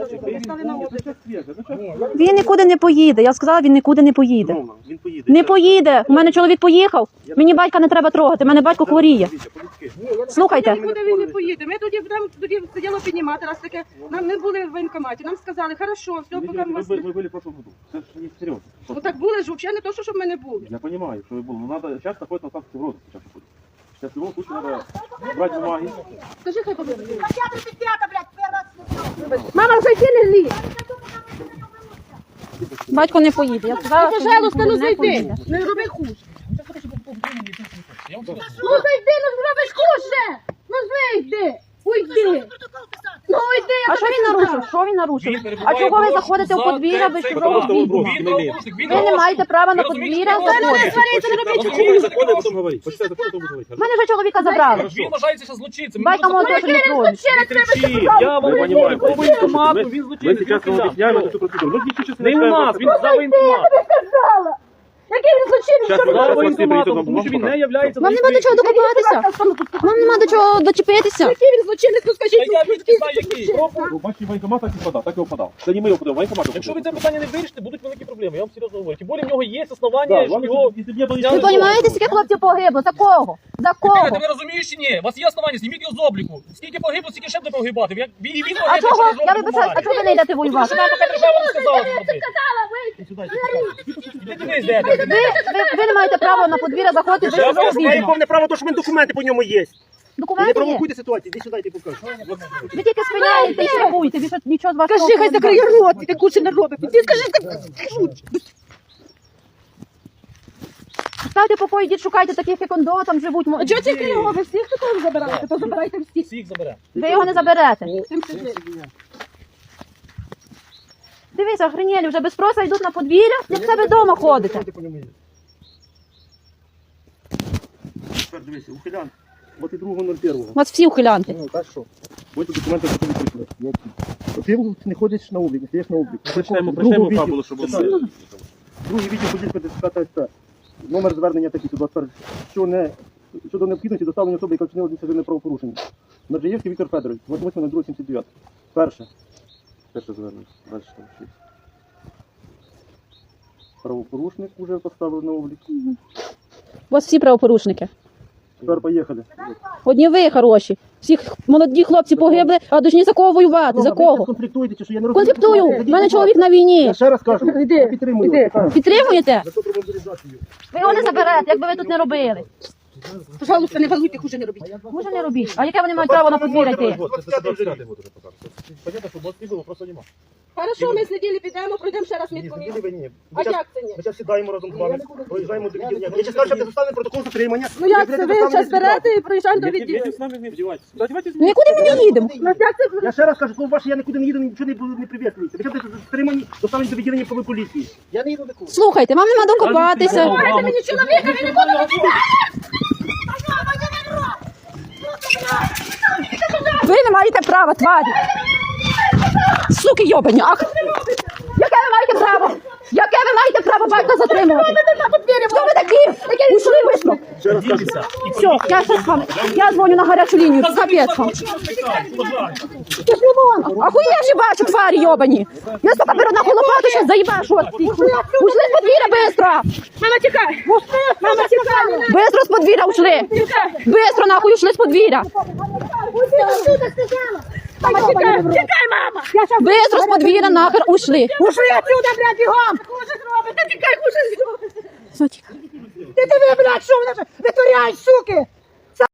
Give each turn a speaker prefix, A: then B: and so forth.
A: Він нікуди не поїде. Я сказала, він нікуди не поїде. Не поїде. У мене чоловік поїхав. Мені батька не треба трогати. У мене батько хворіє. Слухайте.
B: Нікуди він не поїде. Ми тоді сиділо піднімати, раз таке, нам не були в воєнкоматі. Нам сказали, хорошо, все, поки ми вас...
C: Вы были в прошлом году. Це ж не серйозно.
B: Ну так були ж, взагалі не то, щоб ми не були.
C: Я понимаю, что вы были. Но надо сейчас находиться на станции в розыске. Сейчас в любом случае надо брать бумаги.
B: Скажи, хай побігли.
D: Мама, зайди, не лізь.
A: Батько не поїде. Я сказала,
B: Ну,
A: що
B: пожалуйста,
A: він
B: ну
A: не
B: зайди.
A: поїде.
B: Не роби хуже.
D: Ну зайди, ну зробиш хуже. Ну зайди. Уйди. Ну уйди.
A: А що він нарушив? Що він нарушив? А чого ви заходите у подвір'я без чужого відома? Ви не маєте права на подвір'я заходити.
C: Почитай законы, а потом говорить. Почитай законы, потом говорить.
A: Мене вже чоловіка забрали.
E: Він вважається ще злочинцем.
A: Батько мого теж не тронуть.
E: Я вам
C: понимаю.
E: по воєнкомату, він
C: Мы
E: злочинець.
C: сейчас вам объясняем эту процедуру. Мы ничего сейчас
E: Не у нас, він за воєнкомат.
D: Сказала. Який він злочинець?
C: Сейчас
E: За
C: мы
E: воєнкоматом, тому що він не являється...
A: Вам нема до чого докопатися. Вам нема до чого дочепитися.
B: Який він злочинець, ну
E: Та
B: скажіть,
E: я відки знаю, який.
C: Бачите, военкомат так и подал, так и подал. Это не мы его подал, военкомат его
E: Якщо ви
C: подал.
E: це питання не вирішите, будуть великі проблеми. Я вам серйозно говорю. Тим більше в нього є основання, що його...
C: Если бы не было
A: Ви
C: ничего...
A: розумієте, скільки хлопців погибло? За кого? За
E: Ти
A: кого?
E: ви розумієш чи ні? У вас є основання, зніміть його з обліку. Скільки погибло, стільки ще буде погибати. І він
A: А чого? Я вибачаю, а чого ви не йдете воювати?
E: Що нам поки держава не сказала зробити? Іди туди, йдете.
A: Ви не маєте права на подвір'я заходити без чужого відома.
F: повне право, тому що в мене документи по ньому є. Не
A: Документи є?
F: провокуйте ситуацію, іди сюди, я тобі покажу.
A: Ви тільки спиняєте і штрафуєте. Більше нічого з вас
B: Скажи, хай закриє рот, ти куча не робить. Ти скажи,
A: Ставте покої, йдіть, шукайте таких, як ондо, там живуть.
B: а чого тільки його? Ви всіх такого забираєте? То забирайте всіх.
E: Всіх забере.
A: Ви його не заберете.
B: Тим сидить.
A: Дивіться, охренєлі, вже без спроса йдуть на подвір'я, як в себе вдома ходите.
C: Тепер дивися, ухилян. 22.01.
A: У вас всі ухилянти.
F: Ну, так що?
C: Ось документи, які ви прийшли.
F: Ти не ходиш на облік, не стоїш на облік.
C: Прочитаємо фабулу, щоб вони...
F: Другий відділ подільська ДСК ТСП. Номер звернення такий, 21. Щодо необхідності доставлення особи, яка вчинила адміністративне правопорушення. Наджаєвський Віктор Федорович, 28.02.79. Перше.
C: Перше звернення. Далі там 6.
F: Правопорушник вже поставили на облік.
A: У вас всі правопорушники.
F: Тепер поїхали.
A: Одні ви хороші. Всі молоді хлопці погибли, а дожні за кого воювати? За кого?
F: Конфліктуєте, чи що? Я не розумію.
A: Конфліктую. У мене чоловік на війні.
F: Я ще раз кажу, я підтримую.
A: Підтримуєте?
F: За добру мобілізацію.
A: Ви його не заберете, якби ви тут не робили.
B: Пожалуйста, не газуйте, хуже не робіть.
A: Може не робіть. А яке вони мають право на подвір'я йти?
C: Понятно, що 20 було, просто нема.
B: Хорошо, ми сиділи, підемо, пройдемо ще раз медкомісію.
F: Ні, ви ні.
B: А як це ні?
F: Ми зараз сідаємо разом з вами, проїжджаємо до відділення. Я ще скажу, що не доставили протокол затримання.
B: Ну як це? Ви зараз берете і проїжджаємо до відділу.
C: з нами не вдівайтеся. Давайте
A: Нікуди ми не їдемо.
B: Ну як це?
F: Я ще раз кажу, коли ваше, я нікуди не їду, нічого не прив'язується. Ви зараз затримані, доставлені до відділення правої поліції. Я не їду нікуди.
A: Слухайте, вам нема докопатися.
B: Дайте мені чоловіка, він не буде
A: Ви не маєте права, тварі. Суки йобані. Ах. Яке ви маєте право? Яке ви маєте право батька затримувати? Хто ви такі? Ушли вийшло. Все, я щас вам. Я дзвоню на гарячу лінію. Капець вам. Пішли вон. Ахуєвші бачу, тварі йобані. Я сука беру на лопату, щас заїбашу. Ушли з подвір'я, бистро.
B: Мама, тікай! Мама, тікай!
A: Бистро з подвір'я ушли. Бистро нахуй ушли з подвір'я.
B: Мама, тікай! Тікай, мама!
A: Бистро з подвір'я нахер ушли.
B: Ушли отсюда, блядь, бігом! Хуже зробить! Та тікай, хуже зробить!
A: Все, тікай.
B: Ти диви, блядь, що вона витворяєш, суки!